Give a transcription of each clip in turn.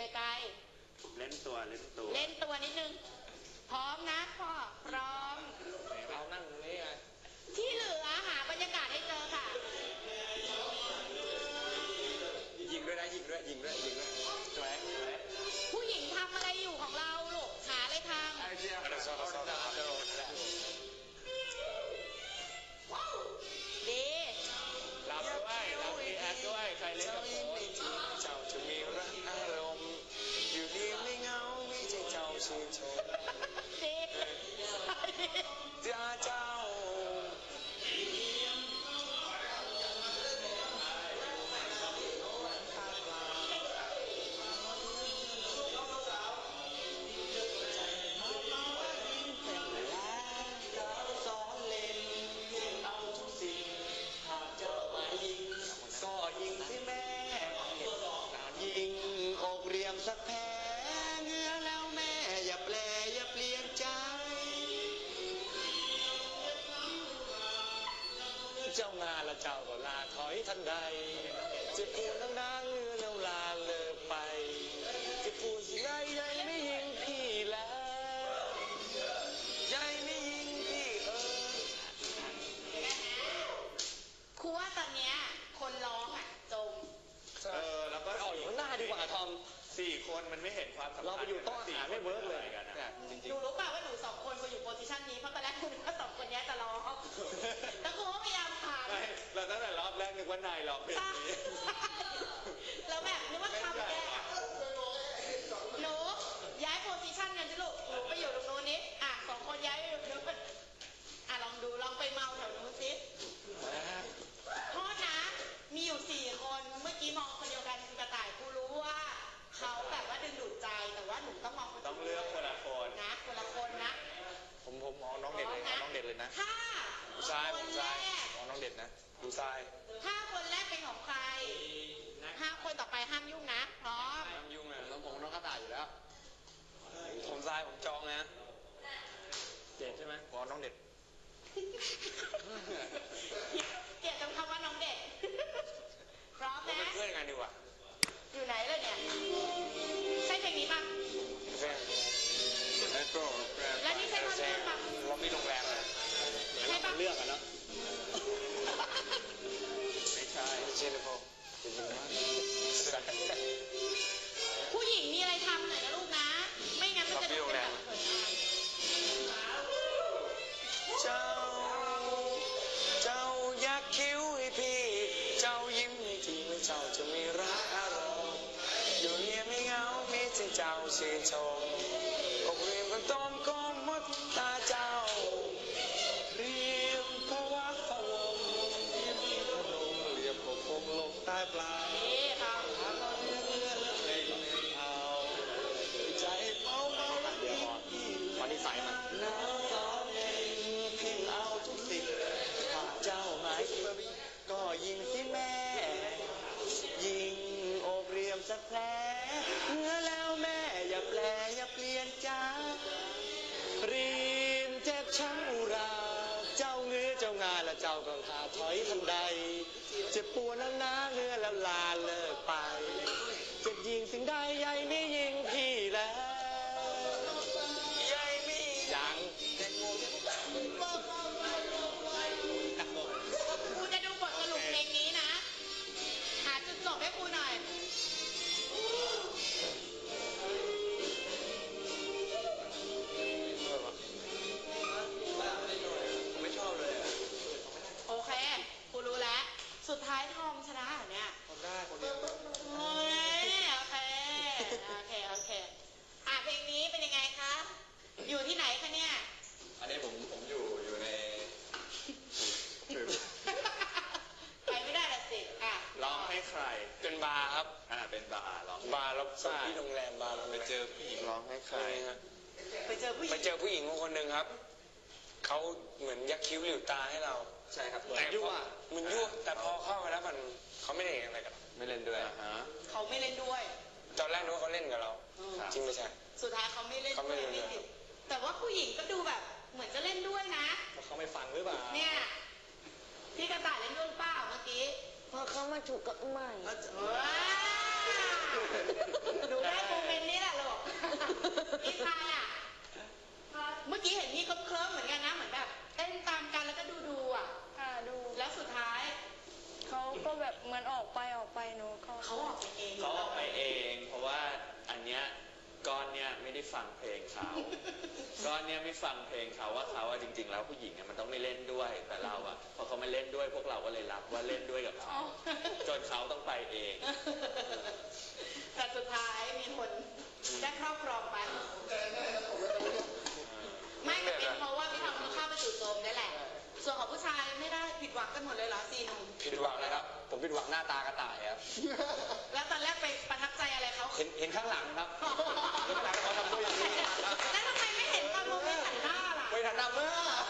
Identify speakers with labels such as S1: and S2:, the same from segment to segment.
S1: ไกล
S2: เล่นตัวนิดนึงพร้อมนะพ่อพร้อม
S3: เรานั่งตรงนี้ไง
S2: ที่เหลือหาบรรยากาศให้เจอค่ะ
S3: ยิงด้วยนะยิงด้วยสวย
S2: ผู้หญิงทำอะไรอยู่ของเราลูกหาอะไรทำดี
S3: รับด้วยรับดีแอคด้วยใครเล่นกับผมเจ้าจะมีรักอารมณ์อยู่ดีไม่เหงาไม่ใช่เจ้าชื่นชม
S2: ดี
S3: เจ้าสักแผลเนื้อแล้วแม่อย่าแปลอย่าเปลี่ยนใจเจ้างานละเจ้าก็ลาถอยทันใดจะพูดนานเรือแล้วลาเลิกไปจะพูดสิไรใหญ่ไม่ยิงพี่แล้วใหญ่ไม่ยิงพี่
S2: ครูว่าตอนเนี้ยคนร้องอ่ะจม
S3: แล้วก็ออกอยู่ข้างหน้าดีกว่าทอม4 คนมันไม่เห็นความสำคัญเราไปอยู่โต๊ะอาหารไม่เวิร์กเลยกันนะจริงๆ
S2: ดูรู้ป่ะว่าหนู2 คนไปอยู่โพสิชันนี้เพราะตอนแรกคุณว่า2 คนนี้จะร้องแล้วครูก็พยายามผ่าน
S3: เราตั้งแต่รอบแรกนึกว่านายร้องเพลงนี้
S2: แล้วแบบนึกว่าทำแกหนูย้ายโพสิชันกันสิลูกหนูไปอยู่ตรงโน้นนี้2 คนย้ายไปอยู่ตรงนู้นลองดูลองไปเมาแถวนู้นสิโทษนะมีอยู่4 คนเมื่อกี้มองคนเดียวกันคือกระต่ายครูรู้ว่าเขาแบบว่าดึงดูดใจแต่ว่าหนูต้องมอง
S3: ต้องเลือกคนละคน
S2: นะคนละคนนะ
S3: ผมมองน้องเด็ดเลยน้องเด็ดเลยนะ
S2: ถ้า
S3: คนแรกมองน้องเด็ดนะดูทราย
S2: ถ้าคนแรกเป็นของใคร5 คนต่อไปห้ามยุ่งนะพร้อม
S3: ห้ามยุ่งเลยผมน้องกระต่ายอยู่แล้วผมทรายผมจองนะเด็ดใช่ไหมขอน้องเด็ด
S2: เกลียดจำคำว่าน้องเด็ดพร้อมนะ
S3: เพื่อนกันดีกว่า
S2: อยู่ไหนเลยเนี่ยใช่เพลงนี้ป่ะแล้วนี่ใช่ท่อนขึ้นป่ะ
S3: เรามีโรงแรมเลยใช่ป่ะเลือกกันเนาะไม่ใช่เช่นพอ
S2: ผู้หญิงมีอะไรทำหน่อยนะลูกนะไม่งั้นมันจะดูเป็นแบบ
S3: เจ้ายักคิ้วให้พี่เจ้ายิ้มให้ทีไม่เจ้าจะมีรักอารมณ์อยู่เงียบไม่เหงามีแต่เจ้าชื่นชมอกเรียมกันต้มก้มมดตาเจ้าเรียมพระวักพระวงเรียมที่พนมเรียมปกคงลงใต้ปลาย
S2: ครับ
S3: หาเราเรื่อยๆแล้วเลยเอาใจเมาแล้วเดี๋ยวพอที่ใส่มันน้ำตาเองพิมพ์เอาทุกสิ่งหากเจ้าหมายก็ยิงสิแม่ยิงอกเรียมสักแผลเมื่อแล้วแม่อย่าแปลอย่าเปลี่ยนใจรีมเจ็บช้ำอุราเจ้าเงื้อเจ้างานและเจ้าก็ขาถอยทันใดเจ็บปวดนักหนาเนื้อแล้วลาเลิกไปจะยิงสิ่งใดใหญ่ไม่ยิงพี่แล้วใหญ่ไม่ยัง
S2: ครูจะดูบทสรุปเพลงนี้นะหาจุดจบให้ครูหน่อย
S3: ไม่ชอบเลย
S2: โอเคครูรู้แล้วสุดท้ายทอมชนะเหรอเนี่ย
S3: ได้คนเดียว
S2: โอเคเพลงนี้เป็นยังไงคะอยู่ที่ไหนคะเนี่ย
S3: อันนี้ผมอยู่ใน
S2: ไปไม่ได้ละสิ
S3: ร้องให้ใครเป็นบาร์ครับเป็นบาร์ร้องบาร์แล้วที่โรงแรมบาร์ไปเจอผู้หญิงร้องให้ใคร
S2: ไปเจอผู้
S3: หญิงคนหนึ่งครับเขาเหมือนยักคิ้วหลิวตาให้เราใช่ครับแต่ยั่วมันยั่วแต่พอเข้ามาแล้วมันเขาไม่ได้อะไรกับไม่เล่นด้วย
S2: เขาไม่เล่นด้วย
S3: ตอนแรกนึกว่าเขาเล่นกับเราจริงไม่ใช่
S2: สุดท้ายเขาไม่เล่นด้วยไม่ติดแต่ว่าผู้หญิงก็ดูแบบเหมือนจะเล่นด้วยนะ
S3: เขาไม่ฟังหรือเปล่า
S2: เนี่ยพี่กระต่ายเล่นด้วยเปล่าเมื่อกี้
S4: พอเขามาถูกกับใหม่
S2: ดูได้ปู
S3: ก้อนเนี่ยไม่ได้ฟังเพลงเขาก้อนเนี่ยไม่ฟังเพลงเขาว่าเขาอะจริงๆแล้วผู้หญิงอะมันต้องไม่เล่นด้วยแต่เราอะพอเขาไม่เล่นด้วยพวกเราก็เลยรับว่าเล่นด้วยกับเขาจนเขาต้องไปเอง
S2: แต่สุดท้ายมีคนได้ครอบครองไปไม่แต่เป็นเพราะว่าพี่ทอมเข้าไปจู่โจมนี่แหละส่วนของผู้ชายไม่ได้ผิดหวังกันหมดเลยเหรอ4 หนุ่ม
S1: ผิดหวังเลยครับผมผิดหวังหน้าตากระต่ายครับ
S2: แล้วตอนแรกไปประทับใจอะไรเขา
S1: เห็นข้างหลังครับเห็นข้างหลังเขาทำด้วยอย่างนี้
S2: แล้วทำไมไม่เห็นตอนโมเมนต์หันหน้าล่ะ
S1: ไปทันดำเมื่อ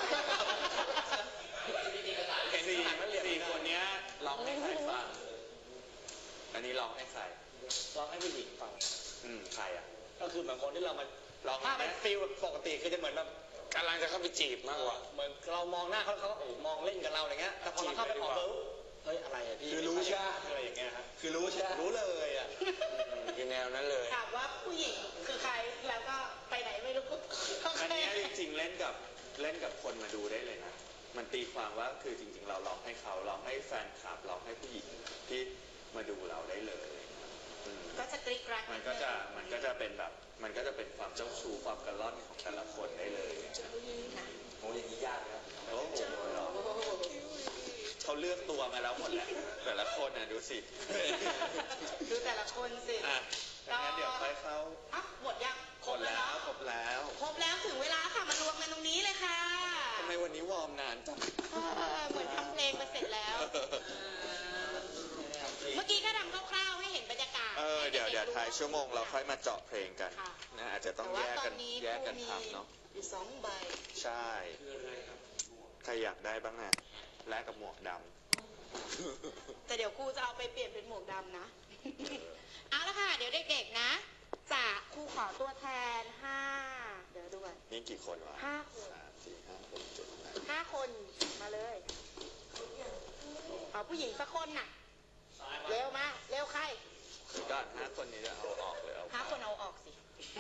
S1: เห็น
S3: สี่
S1: ข้างหลังมันเหลี่ยม
S3: สี่คนเนี้ยร้องให้ใครฟังอันนี้ร้องให้ใคร
S1: ร้องให้ผู้หญิงฟัง
S3: ใครอ่ะ
S1: ก็คือเหมือนคนที่เรามา
S3: ร้อง
S1: ถ้า
S3: ให้
S1: เป็นฟิลปกติคือจะเหมือนแบบกำลังจะเข้าไปจีบมากกว่าเหมือนเรามองหน้าเขาก็โอ้มองเล่นกับเราอะไรเงี้ยแต่พอเราเข้าไปขอปุ๊บเฮ้ยอะไรอะพี่
S3: คือรู้ใช่ไหม
S1: อะไรอย่างเงี้ยครับ
S3: คือรู้ใช่ไหม
S1: รู้เลยอะคือแนวนั้นเลย
S2: ถามว่าผู้หญิงคือใครแล้วก็ไปไหนไม่รู้
S3: อันเนี้ยจริงๆเล่นกับคนมาดูได้เลยนะมันตีความว่าคือจริงๆเราร้องให้เขาร้องให้แฟนคลับร้องให้ผู้หญิงที่มาดูเราได้เลยอืม
S2: ก็จะกริ๊กกรัก
S3: มันก็จะเป็นแบบมันก็จะเป็นความเจ้าชู้ความกระล่อนของแต่ละคนได้เลย
S2: นะ
S1: โอ้อย่างนี้ยากนะ
S3: โอ้โหเหรอเขาเลือกตัวมาแล้วหมดแหละแต่ละคนน่ะดูสิ
S2: ดูแต่ละคนสิ
S3: อ่ะงั้นเดี๋ยวค่อยเข้า
S2: อ่ะหมดยัง
S3: ครบแล้วครบแล้ว
S2: ครบแล้วถึงเวลาค่ะมารวมกันตรงนี้เลยค่ะ
S3: ทำไมวันนี้วอร์มนานจัง
S2: เหมือนทำเพลงไปเสร็จแล้ว เมื่อกี้ก็ทำคร่าวๆให้เห็นบรรยากาศ
S3: เดี๋ยวท้ายชั่วโมงเราค่อยมาเจาะเพลงกัน
S2: ค่ะ
S3: นะอาจจะต้อง
S2: แต่
S3: แย
S2: ว่าก ตอ
S3: กัน น
S2: นี้
S3: แยกกัน
S2: ครูมี
S3: ทำเนาะ
S2: อยู่2 ใบ
S3: ใช่ใครอยากได้บ้างอะแลกกับหมวกด
S2: แต่เดี๋ยวครูจะเอาไปเปลี่ยนเป็นหมวกดำนะ เอาละค่ะ เดี๋ยวเด็กๆนะจะครูขอตัวแทน5เดี๋ยวดูก่อน
S3: ำนี่กี่คนวะ
S2: 5 คน
S3: 3 4 5 6 7 8
S2: 5 คนมาเลยเอาผู้หญิงสักคนน่ะ เร็วมา เร็วใคร
S3: คือก็5 คนนี้จะเอาออกเลยเอา
S2: 5 คนเอาออกสิ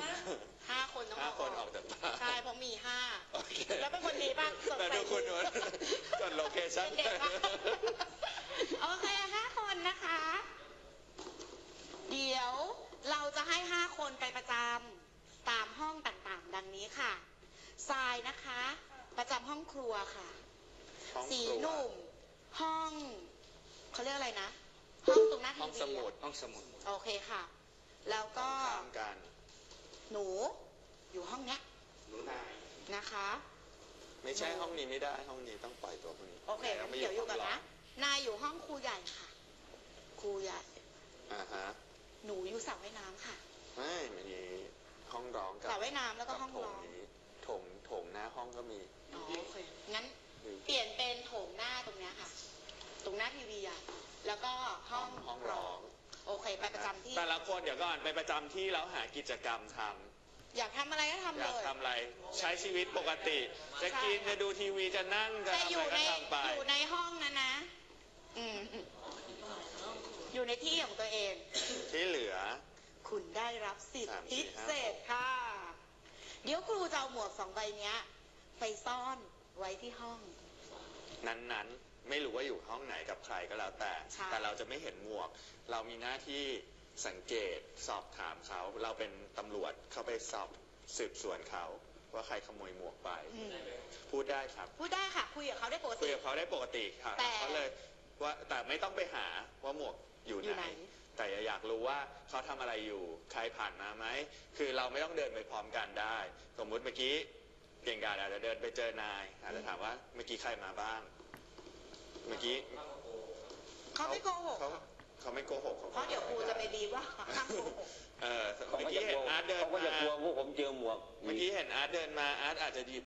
S2: 5 คนต้องเอา
S3: 5 คนออกจากบ้าน
S2: ใช่เพราะมี
S3: โอเค
S2: 5แล้วเป็นคนดีป่ะสด
S3: แต่
S2: ใส
S3: ดูคุณนวลจดโลเคชั่น
S2: เป็นเด็กป่ะโอเค5 คนนะคะ เดี๋ยวเราจะให้5 คนไปประจำตามห้องต่างๆ ดังนี้ค่ะทรายนะคะ ประจำห้องครัวค่ะ
S3: ห้อง
S2: สี
S3: ครัว
S2: หนุ่มห้องเขาเรียกอะไรนะ ห้องตรงหน้าที
S3: ห้อง
S2: วี
S3: สมุด
S1: ห้องสมุด
S2: โอเคค่ะ แล้วก็
S3: ข้ามกัน
S2: หนูอยู่ห้องเนี้ย
S1: รู้นาย
S2: นะคะ
S3: ไม่ใช่ห้องนี้ไม่ได้ห้องนี้ต้องปล่อยตัวพวกนี้
S2: โอเคงั้น
S3: ไม่
S2: เดี๋ยวอยู่กัน
S3: ห้ง
S2: นะนายอยู่ห้องครูใหญ่ค่ะ ครูใหญ่
S3: อ่าฮะ
S2: หนูอยู่สระว่ายน้ำค่ะ
S3: ไม่มีห้องร้องกับ
S2: สระว่ายน้ำแล้วก็ห้อง
S3: โถ
S2: ร้
S3: ง
S2: อง
S3: นี้โถงหน้าห้องก็มี
S2: อ๋อโอเคงั้นเปลี่ยนเป็นโถงหน้าตรงเนี้ยค่ะ ตรงหน้าทีวีอ่ะแล้วก็ห้อง
S3: ห้องร้อง
S2: โอเคไปประจำที่
S3: แต่ละคนเดี๋ยวก่อนไปประจำที่แล้วหากิจกรรมทำ
S2: อยากทำอะไรก็ทำ
S3: อ
S2: เลย
S3: ากทำอะไรใช้ชีวิตปกติ จะกินจะดูทีวีจะนั่งจะ
S2: แต่
S3: ทำ
S2: อ
S3: อะไร
S2: ยู่
S3: ก็
S2: ใน
S3: ทำไป
S2: อยู่ในห้องนั้นนะ อืมอยู่ในที่ของตัวเอง
S3: ที่เหลือ
S2: คุณได้รับสิทธิ
S3: 3 4
S2: พิเศษค่ะ เดี๋ยวครูจะเอาหมวก2 ใบเนี้ย ไปซ่อนไว้ที่ห้อง
S3: นั้นๆ ไม่รู้ว่าอยู่ห้องไหนกับใครก็แล้วแต่
S2: ใช่
S3: แต่เราจะไม่เห็นหมวก เรามีหน้าที่สังเกตสอบถามเขา เราเป็นตำรวจเข้าไปสอบสืบสวนเขา ว่าใครขโมยหมวกไป
S2: อืม
S3: พูดได้ครับ
S2: พูดได้ค่ะ คุยกับเขาได้ปก
S3: คุย
S2: ติ
S3: กับเขาได้ปกติค่ะ
S2: แต่
S3: เขาเลยว่าแต่ไม่ต้องไปหาว่าหมวกอยู่
S2: อยู่
S3: ไห
S2: ไห
S3: น
S2: น
S3: แต่อยากรู้ว่าเขาทำอะไรอยู่ ใครผ่านมาไหม คือเราไม่ต้องเดินไปพร้อมกันได้ สมมุติเมื่อกี้เก่งกาจอาจจะเดินไปเจอนายอาจจะถามว่าเมื่อกี้ใครมาบ้าง เมื่อกี้
S2: เขาไม่โกหก
S3: เขาไม่โกหก
S2: เพราะเดี๋ยวครูจะไปบีบว่าห้ามโกหก
S3: เมื่อกี้เห็นอาร์ตเดิน
S1: เขาก็จะ
S3: มาก
S1: ลัวพวกผมเจอหมวก
S3: เมื่อกี้เห็นอาร์ตเดินมาอาร์ตอาจจะหยิบ